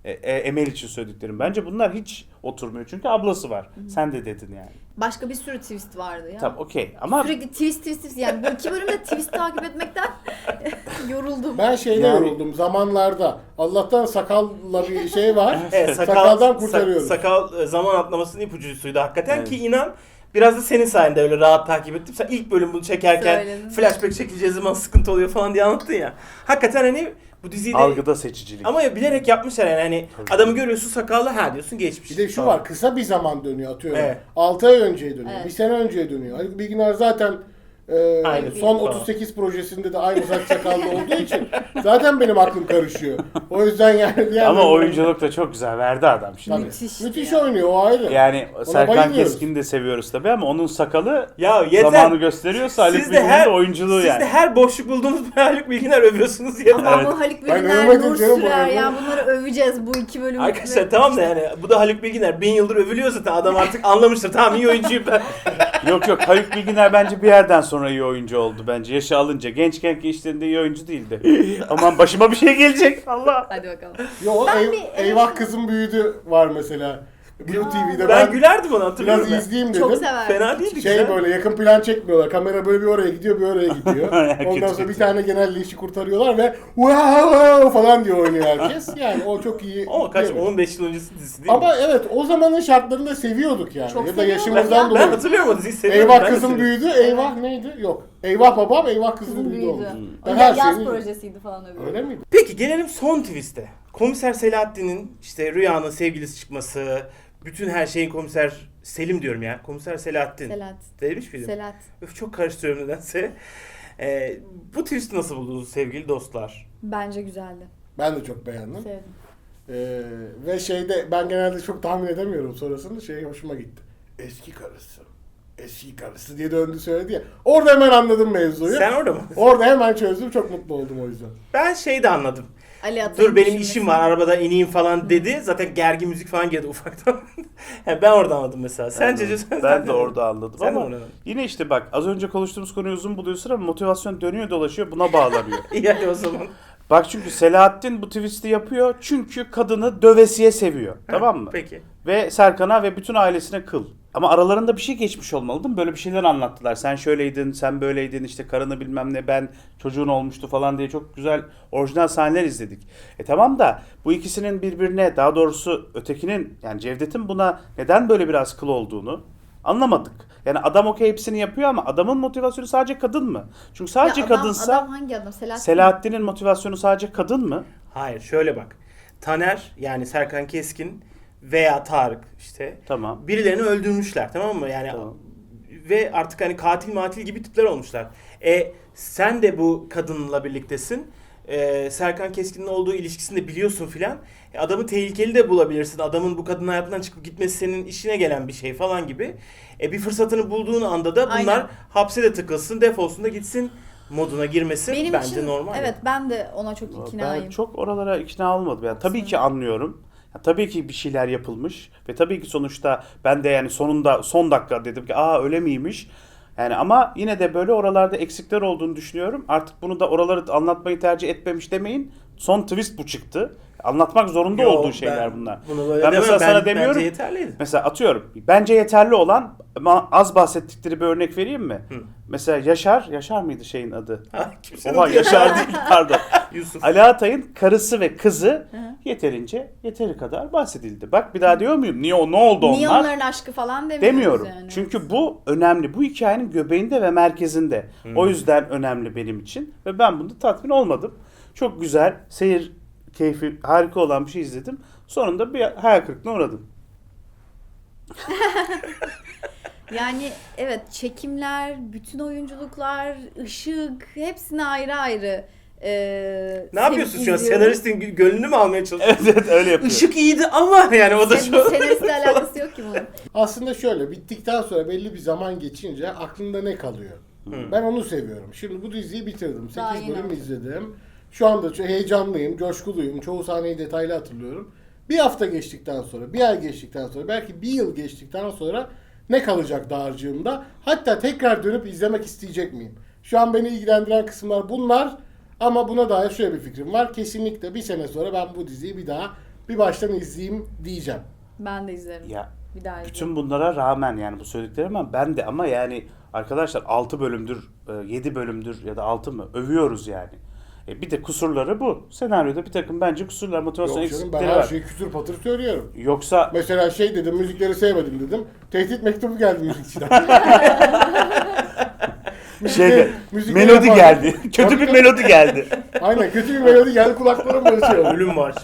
[SPEAKER 4] Emel için söylediklerim. Bence bunlar hiç oturmuyor. Çünkü ablası var. Sen de dedin yani.
[SPEAKER 2] Başka bir sürü twist vardı ya.
[SPEAKER 4] Tamam okey ama
[SPEAKER 2] Sürekli twist yani bu iki bölümde twist takip etmekten yoruldum.
[SPEAKER 3] Ben şeyde
[SPEAKER 4] Yani-
[SPEAKER 3] yoruldum zamanlarda. Allah'tan sakalla bir şey var.
[SPEAKER 1] Evet,
[SPEAKER 3] Sakaldan kurtarıyoruz.
[SPEAKER 1] Sakal zaman atlamasının ipucusuydu hakikaten
[SPEAKER 4] Evet.
[SPEAKER 1] ki inan biraz da senin sayende öyle rahat takip ettim. Sen ilk bölüm bunu çekerken
[SPEAKER 2] Söyledin.
[SPEAKER 1] flashback çekileceği zaman sıkıntı oluyor falan diye anlattın ya. Hakikaten hani bu diziyi de
[SPEAKER 4] algıda seçicilik.
[SPEAKER 1] ama ya bilerek yapmışlar yani hani adamı görüyorsun sakallı ha diyorsun geçmiş.
[SPEAKER 3] Bir de şu
[SPEAKER 1] falan.
[SPEAKER 3] var, kısa bir zaman dönüyor atıyorum.
[SPEAKER 1] Evet.
[SPEAKER 3] 6 ay önceye dönüyor,
[SPEAKER 2] Evet.
[SPEAKER 3] bir sene önceye dönüyor. Haluk Bilginer zaten
[SPEAKER 1] Aynı
[SPEAKER 3] son
[SPEAKER 1] falan.
[SPEAKER 3] 38 projesinde de aynı saç sakallı olduğu için zaten benim aklım karışıyor. O yüzden yani... diğer
[SPEAKER 4] Ama
[SPEAKER 3] bölümler-
[SPEAKER 4] oyunculuk da çok güzel verdi adam şimdi.
[SPEAKER 2] Müthiş.
[SPEAKER 3] Müthiş
[SPEAKER 2] ya.
[SPEAKER 3] oynuyor, o ayrı.
[SPEAKER 4] Yani Serkan
[SPEAKER 3] bayılıyoruz.
[SPEAKER 4] Keskin'i de seviyoruz tabii ama onun sakalı
[SPEAKER 1] Ya yeter.
[SPEAKER 4] zamanı gösteriyorsa Haluk
[SPEAKER 1] Siz de
[SPEAKER 4] Bilginer'in
[SPEAKER 1] her
[SPEAKER 4] de oyunculuğu
[SPEAKER 1] siz
[SPEAKER 4] yani.
[SPEAKER 1] de her boşluk bulduğunuz bir Haluk Bilginer övüyorsunuz yeter.
[SPEAKER 2] Ama bu Haluk
[SPEAKER 3] Ben
[SPEAKER 2] Bilginer,
[SPEAKER 3] övmedim
[SPEAKER 2] Nur
[SPEAKER 3] canım, bu
[SPEAKER 2] Sürer
[SPEAKER 3] övme.
[SPEAKER 2] ya bunları öveceğiz bu iki bölüm.
[SPEAKER 1] Arkadaşlar tamam da yani bu da Haluk Bilginer 1000 yıldır övülüyor zaten adam artık anlamıştır tamam iyi oyuncuyum ben.
[SPEAKER 4] Yok yok Haluk Bilginer bence bir yerden sonra iyi oyuncu oldu bence. Yaşı alınca. Gençken ki işlerinde iyi oyuncu değildi. Aman başıma bir şey gelecek. Allah.
[SPEAKER 2] Hadi bakalım.
[SPEAKER 3] Yo,
[SPEAKER 2] Ben bir-
[SPEAKER 3] Eyvah Kızım Büyüdü var mesela. Blue TV'de
[SPEAKER 1] Ben gülerdim ona hatırlıyorum
[SPEAKER 3] biraz
[SPEAKER 1] ben.
[SPEAKER 3] izleyeyim dedim.
[SPEAKER 2] Çok severdim.
[SPEAKER 1] Fena değildi
[SPEAKER 3] Şey
[SPEAKER 1] güzel.
[SPEAKER 3] böyle yakın plan çekmiyorlar. Kamera böyle bir oraya gidiyor, bir oraya gidiyor. Ondan
[SPEAKER 4] Kötü
[SPEAKER 3] sonra bir
[SPEAKER 4] kötü.
[SPEAKER 3] tane genelde işi kurtarıyorlar ve wow falan diye oynuyor herkes. Yani o çok iyi.
[SPEAKER 1] O kaç
[SPEAKER 3] değil mi?
[SPEAKER 1] 15 yıl öncesi dizisi değil mi?
[SPEAKER 3] Ama evet o zamanın şartlarında seviyorduk yani.
[SPEAKER 2] Çok
[SPEAKER 3] ya da
[SPEAKER 2] seviyorduk
[SPEAKER 3] yaşımızdan
[SPEAKER 2] ya.
[SPEAKER 3] dolayı.
[SPEAKER 1] Ben hatırlıyorum o diziyi seviyorum.
[SPEAKER 3] Eyvah
[SPEAKER 1] ben de
[SPEAKER 3] Kızım
[SPEAKER 1] seviyorum.
[SPEAKER 3] Büyüdü. Eyvah neydi? Yok. Eyvah Babam, Eyvah Kızım
[SPEAKER 2] Kızım
[SPEAKER 3] Büyüdü
[SPEAKER 2] büyüdü.
[SPEAKER 3] olmuş.
[SPEAKER 2] O
[SPEAKER 3] Ben her
[SPEAKER 2] yaz
[SPEAKER 3] şeyi...
[SPEAKER 2] projesiydi falan öbürü.
[SPEAKER 3] Öyle miydi?
[SPEAKER 1] Peki gelelim son twist'e. Komiser Selahattin'in işte Rüya'nın sevgilisi çıkması, bütün her şeyin komiser Selim diyorum ya. Komiser Selahattin.
[SPEAKER 2] Selahat.
[SPEAKER 1] Demiş miydim?
[SPEAKER 2] Selahat.
[SPEAKER 1] Öf çok karıştırıyorum nedense. Bu twist'i nasıl buldunuz sevgili dostlar?
[SPEAKER 2] Bence güzeldi.
[SPEAKER 3] Ben de çok beğendim.
[SPEAKER 2] Sevdim.
[SPEAKER 3] Ve şeyde ben genelde çok tahmin edemiyorum sonrasında şey hoşuma gitti. Eski karısı. Eski karısı diye döndü söyledi ya. Orada hemen anladım mevzuyu.
[SPEAKER 1] Sen orada mı?
[SPEAKER 3] Orada hemen çözdüm. Çok mutlu oldum o yüzden.
[SPEAKER 1] Ben şey de anladım.
[SPEAKER 2] Ali Atay'ın
[SPEAKER 1] Dur benim
[SPEAKER 2] düşünmesi.
[SPEAKER 1] işim var arabada ineyim falan dedi. Zaten gergin müzik falan girdi ufaktan. Yani ben orada anladım mesela. Sence
[SPEAKER 4] Ben de orada anladım
[SPEAKER 1] Sen de
[SPEAKER 4] ama
[SPEAKER 1] orada anladın.
[SPEAKER 4] yine işte bak az önce konuştuğumuz konuyu uzun buluyorsun ama motivasyon dönüyor dolaşıyor buna bağlanıyor.
[SPEAKER 1] İyi hadi o zaman.
[SPEAKER 4] Bak çünkü Selahattin bu twist'i yapıyor çünkü kadını dövesiye seviyor. Tamam mı?
[SPEAKER 1] Peki.
[SPEAKER 4] Ve Serkan'a ve bütün ailesine kıl. Ama aralarında bir şey geçmiş olmalı değil mi? Böyle bir şeyler anlattılar. Sen şöyleydin, sen böyleydin, işte karını bilmem ne, ben çocuğun olmuştu falan diye çok güzel orijinal sahneler izledik. Tamam da bu ikisinin birbirine, daha doğrusu ötekinin yani Cevdet'in buna neden böyle biraz kıl olduğunu anlamadık. Yani adam okey hepsini yapıyor ama adamın motivasyonu sadece kadın mı? Çünkü sadece
[SPEAKER 2] Ya adam,
[SPEAKER 4] kadınsa
[SPEAKER 2] adam hangi adam?
[SPEAKER 4] Selahattin'in motivasyonu sadece kadın mı?
[SPEAKER 1] Hayır, şöyle bak. Taner yani Serkan Keskin veya Tarık işte
[SPEAKER 4] Tamam.
[SPEAKER 1] birilerini öldürmüşler, tamam mı? Yani
[SPEAKER 4] Tamam.
[SPEAKER 1] ve artık hani katil matil gibi tipler olmuşlar. Sen de bu kadınla birliktesin. Serkan Keskin'in olduğu ilişkisini de biliyorsun filan. Adamı tehlikeli de bulabilirsin. Adamın bu kadın hayatından çıkıp gitmesi senin işine gelen bir şey falan gibi. Bir fırsatını bulduğun anda da bunlar
[SPEAKER 2] Aynen.
[SPEAKER 1] hapse de tıkılsın, defolsun da gitsin moduna girmesi
[SPEAKER 2] Benim
[SPEAKER 1] bence
[SPEAKER 2] için
[SPEAKER 1] normal.
[SPEAKER 2] evet, ben de ona çok iknayım.
[SPEAKER 4] Ben çok oralara ikna olmadım. Yani tabii ki anlıyorum. Ya tabii ki bir şeyler yapılmış ve tabii ki sonuçta ben de yani sonunda son dakika dedim ki öyle miymiş? Yani ama yine de böyle oralarda eksikler olduğunu düşünüyorum. Artık bunu da oraları anlatmayı tercih etmemiş demeyin. Son twist bu çıktı. Anlatmak zorunda
[SPEAKER 1] Yo,
[SPEAKER 4] olduğu şeyler
[SPEAKER 1] ben
[SPEAKER 4] bunlar.
[SPEAKER 1] bunu böyle
[SPEAKER 4] Ben
[SPEAKER 1] demem.
[SPEAKER 4] mesela sana demiyorum.
[SPEAKER 1] Bence yeterliydi.
[SPEAKER 4] Mesela atıyorum. Bence yeterli olan ama az bahsettikleri bir örnek vereyim mi? Mesela Yaşar mıydı şeyin adı?
[SPEAKER 1] Kimsenin
[SPEAKER 4] Oha
[SPEAKER 1] adı
[SPEAKER 4] Yaşar değil pardon.
[SPEAKER 1] Yusuf.
[SPEAKER 4] Ali Atay'ın karısı ve kızı yeteri kadar bahsedildi. Bak bir daha diyor muyum? Ne oldu
[SPEAKER 2] Niye
[SPEAKER 4] onlar?
[SPEAKER 2] onların aşkı falan demiyoruz
[SPEAKER 4] Demiyorum.
[SPEAKER 2] yani.
[SPEAKER 4] Çünkü bu önemli. Bu hikayenin göbeğinde ve merkezinde. O yüzden önemli benim için. Ve ben bunda tatmin olmadım. Çok güzel, seyir keyfi harika olan bir şey izledim. Sonunda bir hayal kırıklığına uğradım.
[SPEAKER 2] Yani evet, çekimler, bütün oyunculuklar, ışık, hepsine ayrı ayrı.
[SPEAKER 1] Ne yapıyorsun şu an? Senaristin gönlünü mü almaya çalışıyorsun?
[SPEAKER 4] Evet öyle yapıyor.
[SPEAKER 1] Işık iyiydi ama yani o da şu.
[SPEAKER 2] Senaristle alakası yok ki bunun.
[SPEAKER 3] Aslında şöyle, bittikten sonra belli bir zaman geçince aklında ne kalıyor? Ben onu seviyorum. Şimdi bu diziyi bitirdim.
[SPEAKER 2] Daha
[SPEAKER 3] 8
[SPEAKER 2] yeni
[SPEAKER 3] bölüm
[SPEAKER 2] oldu.
[SPEAKER 3] izledim. Şu anda çok heyecanlıyım, coşkuluyum. Çoğu sahneyi detaylı hatırlıyorum. Bir hafta geçtikten sonra, bir ay geçtikten sonra, belki bir yıl geçtikten sonra ne kalacak dağarcığımda? Hatta tekrar dönüp izlemek isteyecek miyim? Şu an beni ilgilendiren kısımlar bunlar. Ama buna dair şöyle bir fikrim var. Kesinlikle bir sene sonra ben bu diziyi bir baştan izleyeyim diyeceğim.
[SPEAKER 2] Ben de izlerim.
[SPEAKER 4] Ya
[SPEAKER 2] Bir daha izlerim.
[SPEAKER 4] bütün bunlara rağmen yani bu söylediklerim ama ben de ama yani arkadaşlar 6 bölümdür, 7 bölümdür ya da 6 mı övüyoruz yani. Bir de kusurları bu. Senaryoda bir takım bence kusurlar, motivasyon
[SPEAKER 3] Yok canım, ben
[SPEAKER 4] eksikleri
[SPEAKER 3] her
[SPEAKER 4] var.
[SPEAKER 3] şeyi kütür patır söylüyorum.
[SPEAKER 4] Yoksa
[SPEAKER 3] Mesela şey dedim, müzikleri sevmedim dedim. Tehdit mektubu geldi müzikçiden.
[SPEAKER 4] şeyde
[SPEAKER 3] müzikleri
[SPEAKER 4] melodi
[SPEAKER 3] yapan-
[SPEAKER 4] geldi. Kötü
[SPEAKER 3] Tabii
[SPEAKER 4] bir
[SPEAKER 3] tabii.
[SPEAKER 4] melodi geldi.
[SPEAKER 3] Aynen, kötü bir melodi geldi, kulaklarım barışıyor.
[SPEAKER 1] Ölüm var.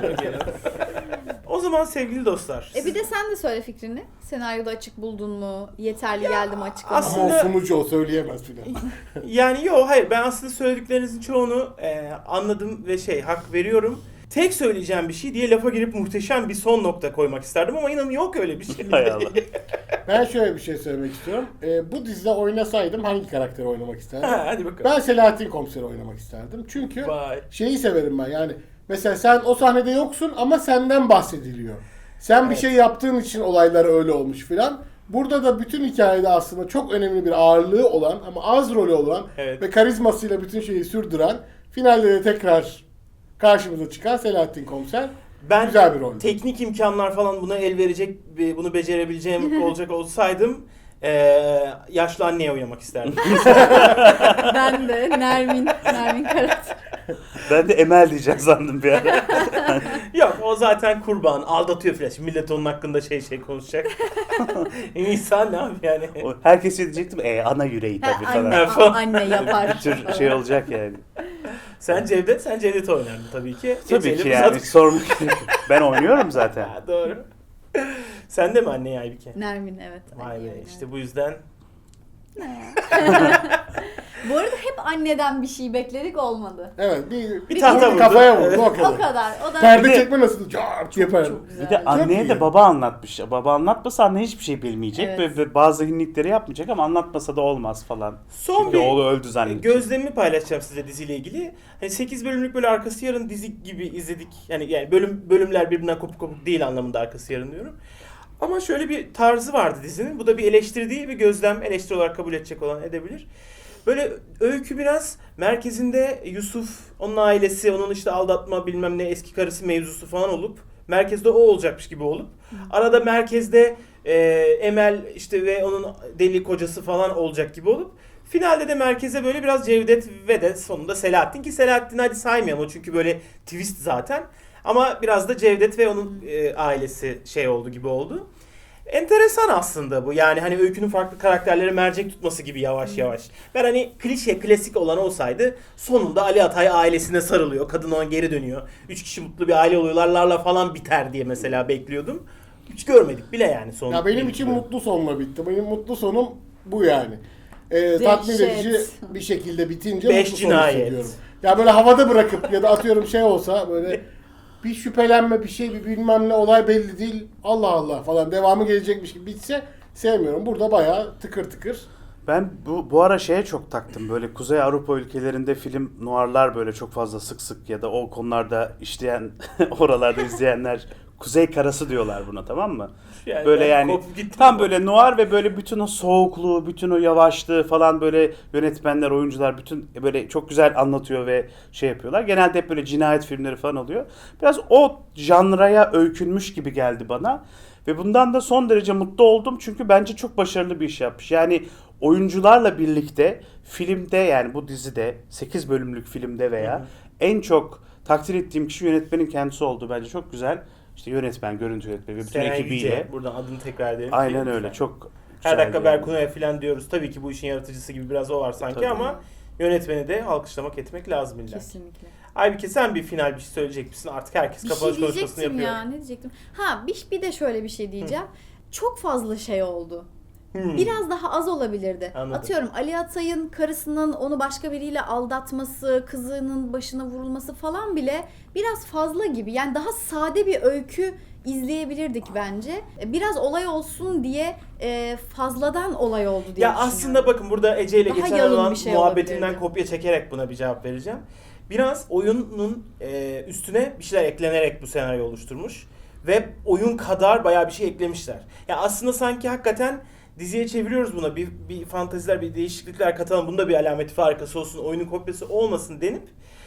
[SPEAKER 1] O zaman sevgili dostlar.
[SPEAKER 2] Bir de sen de söyle fikrini. Senaryoda açık buldun mu? Yeterli geldi mi açıklama?
[SPEAKER 1] aslında-
[SPEAKER 3] Ama o sunucu o söyleyemez filan.
[SPEAKER 1] Yani hayır, ben aslında söylediklerinizin çoğunu anladım ve hak veriyorum. Tek söyleyeceğim bir şey diye lafa girip muhteşem bir son nokta koymak isterdim ama inanın yok öyle bir şey.
[SPEAKER 4] Hay Allah.
[SPEAKER 3] Ben şöyle bir şey söylemek istiyorum. Bu dizide oynasaydım hangi karakteri oynamak isterdim?
[SPEAKER 1] Hadi bakalım.
[SPEAKER 3] Ben Selahattin Komiser'i oynamak isterdim. Çünkü
[SPEAKER 1] Vay.
[SPEAKER 3] şeyi severim ben, yani mesela sen o sahnede yoksun ama senden bahsediliyor. Sen bir
[SPEAKER 1] Evet.
[SPEAKER 3] şey yaptığın için olaylar öyle olmuş filan. Burada da bütün hikayede aslında çok önemli bir ağırlığı olan ama az rolü olan
[SPEAKER 1] Evet.
[SPEAKER 3] ve karizmasıyla bütün şeyi sürdüren, finalde de tekrar karşımıza çıkan Selahattin Komiser.
[SPEAKER 1] Ben
[SPEAKER 3] Güzel bir rol.
[SPEAKER 1] teknik imkanlar falan buna el verecek, bunu becerebileceğim olacak olsaydım yaşlı anneye oynamak isterdim.
[SPEAKER 2] Ben de Nermin karakter.
[SPEAKER 4] Ben de Emel diyeceğim sandım bir ara.
[SPEAKER 1] Yok, o zaten kurban, aldatıyor falan. Şimdi millet onun hakkında şey konuşacak. İnsan ne abi yani.
[SPEAKER 4] Herkes diyecektim ana yüreği tabii
[SPEAKER 2] Anne,
[SPEAKER 4] falan.
[SPEAKER 2] anne yapar.
[SPEAKER 4] Bir tür şey olacak yani.
[SPEAKER 1] Sen Cevdet oynardın tabii ki.
[SPEAKER 4] Tabii ki
[SPEAKER 1] Geçelim
[SPEAKER 4] yani
[SPEAKER 1] zaten.
[SPEAKER 4] sormak ben oynuyorum zaten.
[SPEAKER 1] Ha, doğru. Sen de mi anne Aybike?
[SPEAKER 2] Nermin, evet.
[SPEAKER 1] Vay
[SPEAKER 2] anne
[SPEAKER 1] be,
[SPEAKER 2] yani.
[SPEAKER 1] işte bu yüzden.
[SPEAKER 2] Bu arada hep anneden bir şey bekledik, olmadı.
[SPEAKER 3] Evet,
[SPEAKER 1] Bir tahta vurdu.
[SPEAKER 3] kafaya vurdu, o
[SPEAKER 2] O
[SPEAKER 3] kadar.
[SPEAKER 2] kadar. O da
[SPEAKER 3] Perde
[SPEAKER 4] Bir de-
[SPEAKER 3] çekme nasıl? Cart yaparım.
[SPEAKER 2] çok güzel.
[SPEAKER 4] Bir de anneye
[SPEAKER 3] iyi.
[SPEAKER 4] de baba anlatmış. Baba anlatmasa anne hiçbir şey bilmeyecek
[SPEAKER 2] Evet.
[SPEAKER 4] ve bazı hinlikleri yapmayacak ama anlatmasa da olmaz falan.
[SPEAKER 1] Son
[SPEAKER 4] Çünkü
[SPEAKER 1] bir
[SPEAKER 4] oğlu öldü zannedecek.
[SPEAKER 1] gözlemimi paylaşacağım size diziyle ilgili. Hani 8 bölümlük böyle arkası yarın dizi gibi izledik. Yani bölümler birbirinden kopuk değil anlamında arkası yarın diyorum. Ama şöyle bir tarzı vardı dizinin. Bu da bir eleştiri değil, bir gözlem. Eleştiri olarak kabul edecek olan edebilir. Böyle öykü biraz merkezinde Yusuf, onun ailesi, onun işte aldatma bilmem ne eski karısı mevzusu falan olup merkezde o olacakmış gibi olup arada merkezde Emel işte ve onun deli kocası falan olacak gibi olup finalde de merkeze böyle biraz Cevdet ve de sonunda Selahattin, ki Selahattin hadi saymayalım o çünkü böyle twist zaten. Ama biraz da Cevdet ve onun ailesi şey oldu gibi oldu. Enteresan aslında bu. Yani hani öykünün farklı karakterlere mercek tutması gibi yavaş yavaş. Ben hani klişe, klasik olan olsaydı sonunda Ali Atay ailesine sarılıyor. Kadın ona geri dönüyor. 3 kişi mutlu bir aile oluyorlar. Larla falan biter diye mesela bekliyordum. Hiç görmedik bile yani son.
[SPEAKER 3] Ya benim için mutlu sonla bitti. Benim mutlu sonum bu yani. Tatmin edici bir şekilde bitince
[SPEAKER 1] Beş
[SPEAKER 3] mutlu son
[SPEAKER 1] cinayet.
[SPEAKER 3] hissediyorum. Ya böyle havada bırakıp ya da atıyorum şey olsa böyle bir şüphelenme bir şey bir bilmem ne olay belli değil. Allah Allah falan devamı gelecekmiş gibi bitse sevmiyorum. Burada bayağı tıkır tıkır.
[SPEAKER 4] Ben bu ara şeye çok taktım. Böyle Kuzey Avrupa ülkelerinde film noirlar böyle çok fazla sık sık ya da o konularda işleyen oralarda izleyenler Kuzey Karası diyorlar buna, tamam mı?
[SPEAKER 1] Yani
[SPEAKER 4] Böyle
[SPEAKER 1] ben
[SPEAKER 4] yani
[SPEAKER 1] kopup gittim.
[SPEAKER 4] tam böyle noir ve böyle bütün o soğukluğu, bütün o yavaşlığı falan böyle yönetmenler, oyuncular bütün böyle çok güzel anlatıyor ve şey yapıyorlar. Genelde hep böyle cinayet filmleri falan oluyor. Biraz o janraya öykünmüş gibi geldi bana. Ve bundan da son derece mutlu oldum çünkü bence çok başarılı bir iş yapmış. Yani oyuncularla birlikte filmde, yani bu dizide 8 bölümlük filmde veya en çok takdir ettiğim kişi yönetmenin kendisi oldu. Bence çok güzel. İşte yönetmen, görüntü yönetmeni ve bütün
[SPEAKER 1] Seren
[SPEAKER 4] ekibiyle.
[SPEAKER 1] Yüce, buradan adını tekrar edelim.
[SPEAKER 4] Aynen
[SPEAKER 1] Film
[SPEAKER 4] öyle.
[SPEAKER 1] lütfen.
[SPEAKER 4] Çok
[SPEAKER 1] Her
[SPEAKER 4] güzeldi
[SPEAKER 1] dakika
[SPEAKER 4] yani.
[SPEAKER 1] Berkunay'a falan diyoruz. Tabii ki bu işin yaratıcısı gibi biraz o var sanki
[SPEAKER 4] Tabii.
[SPEAKER 1] ama yönetmeni de alkışlamak etmek lazım illa.
[SPEAKER 2] Kesinlikle.
[SPEAKER 1] Aybüke sen bir final bir şey söyleyecek misin? Artık herkes
[SPEAKER 2] Bir
[SPEAKER 1] kapanış
[SPEAKER 2] şey
[SPEAKER 1] konuşmasını
[SPEAKER 2] diyecektim
[SPEAKER 1] yapıyor.
[SPEAKER 2] ya, ne diyecektim? Ha bir de şöyle bir şey diyeceğim. Çok fazla şey oldu.
[SPEAKER 1] Hmm.
[SPEAKER 2] Biraz daha az olabilirdi.
[SPEAKER 1] Anladım.
[SPEAKER 2] Atıyorum Ali Atay'ın karısının onu başka biriyle aldatması, kızının başına vurulması falan bile biraz fazla gibi. Yani daha sade bir öykü izleyebilirdik bence. Biraz olay olsun diye fazladan olay oldu diye
[SPEAKER 1] Ya
[SPEAKER 2] düşünüyorum.
[SPEAKER 1] aslında bakın burada Ece ile
[SPEAKER 2] Daha
[SPEAKER 1] geçen
[SPEAKER 2] yalın
[SPEAKER 1] olan
[SPEAKER 2] bir şey
[SPEAKER 1] muhabbetinden
[SPEAKER 2] olabilirdi.
[SPEAKER 1] kopya çekerek buna bir cevap vereceğim. Biraz oyunun üstüne bir şeyler eklenerek bu senaryo oluşturmuş. Ve oyun kadar bayağı bir şey eklemişler. Ya aslında sanki hakikaten diziye çeviriyoruz buna. Bir fanteziler, bir değişiklikler katalım. Bunda bir alameti farikası olsun, oyunun kopyası olmasın denip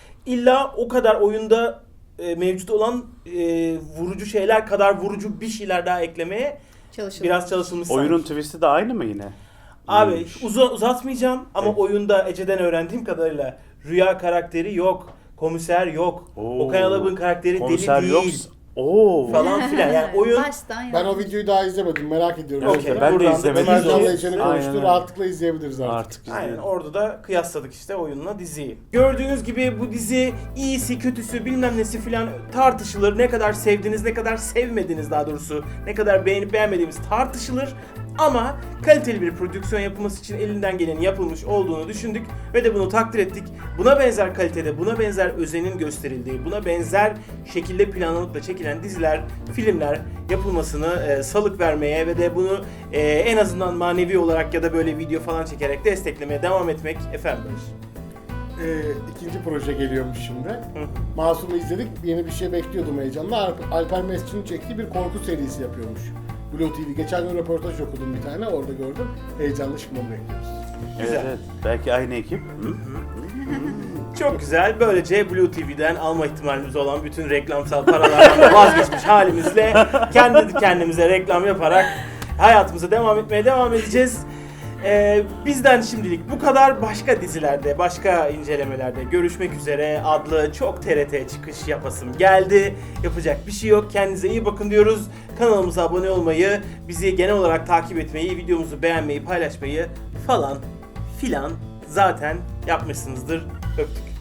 [SPEAKER 1] illa o kadar oyunda mevcut olan vurucu şeyler kadar vurucu bir şeyler daha eklemeye
[SPEAKER 2] Çalışılmış.
[SPEAKER 1] biraz çalışılmış
[SPEAKER 4] Oyunun
[SPEAKER 1] sanki.
[SPEAKER 4] twist'i de aynı mı yine?
[SPEAKER 1] Abi
[SPEAKER 4] İyiymiş.
[SPEAKER 1] uzatmayacağım ama
[SPEAKER 4] Evet.
[SPEAKER 1] oyunda Ece'den öğrendiğim kadarıyla Rüya karakteri yok, komiser yok,
[SPEAKER 4] Oo.
[SPEAKER 1] Okan Alabık'ın karakteri
[SPEAKER 4] Konser
[SPEAKER 1] deli
[SPEAKER 4] yok.
[SPEAKER 1] değil
[SPEAKER 4] Oo.
[SPEAKER 1] falan filan. Yani oyun
[SPEAKER 2] Baştan
[SPEAKER 3] Ben o
[SPEAKER 2] yapmış.
[SPEAKER 3] videoyu daha izlemedim. Merak ediyorum.
[SPEAKER 1] Okey,
[SPEAKER 3] Mesela.
[SPEAKER 4] ben de
[SPEAKER 1] buradan da
[SPEAKER 4] izlemedim.
[SPEAKER 3] Ömer
[SPEAKER 1] izleyeceğiz.
[SPEAKER 3] Can'la Ece'nin
[SPEAKER 4] Aynen
[SPEAKER 3] konuştuğu
[SPEAKER 4] öyle.
[SPEAKER 3] rahatlıkla izleyebiliriz artık.
[SPEAKER 4] Artık
[SPEAKER 1] Aynen
[SPEAKER 4] izleyelim.
[SPEAKER 1] orada da kıyasladık işte oyunla diziyi. Gördüğünüz gibi bu dizi iyisi kötüsü bilmem nesi filan tartışılır. Ne kadar sevdiniz, ne kadar sevmediniz daha doğrusu. Ne kadar beğenip beğenmediğimiz tartışılır. Ama kaliteli bir prodüksiyon yapılması için elinden gelenin yapılmış olduğunu düşündük ve de bunu takdir ettik. Buna benzer kalitede, buna benzer özenin gösterildiği, buna benzer şekilde planlanıp da çekilen diziler, filmler yapılmasını salık vermeye ve de bunu en azından manevi olarak ya da böyle video falan çekerek desteklemeye devam etmek efendim.
[SPEAKER 3] İkinci proje geliyormuş şimdi. Masum'u izledik. Yeni bir şey bekliyordum heyecanla. Alper Mesut'un çektiği bir korku serisi yapıyormuş. Blue TV. Geçen gün röportaj okudum bir tane. Orada gördüm. Heyecanla şimdi onu bekliyoruz.
[SPEAKER 4] Evet,
[SPEAKER 1] Güzel.
[SPEAKER 4] evet. Belki aynı ekip. Hı?
[SPEAKER 1] Çok güzel. Böylece Blue TV'den alma ihtimalimiz olan bütün reklamsal paralardan da vazgeçmiş halimizle kendi kendimize reklam yaparak hayatımıza devam edeceğiz. Bizden şimdilik bu kadar. Başka dizilerde, başka incelemelerde görüşmek üzere adlı çok TRT çıkış yapasım geldi. Yapacak bir şey yok. Kendinize iyi bakın diyoruz. Kanalımıza abone olmayı, bizi genel olarak takip etmeyi, videomuzu beğenmeyi, paylaşmayı falan filan zaten yapmışsınızdır. Öptük.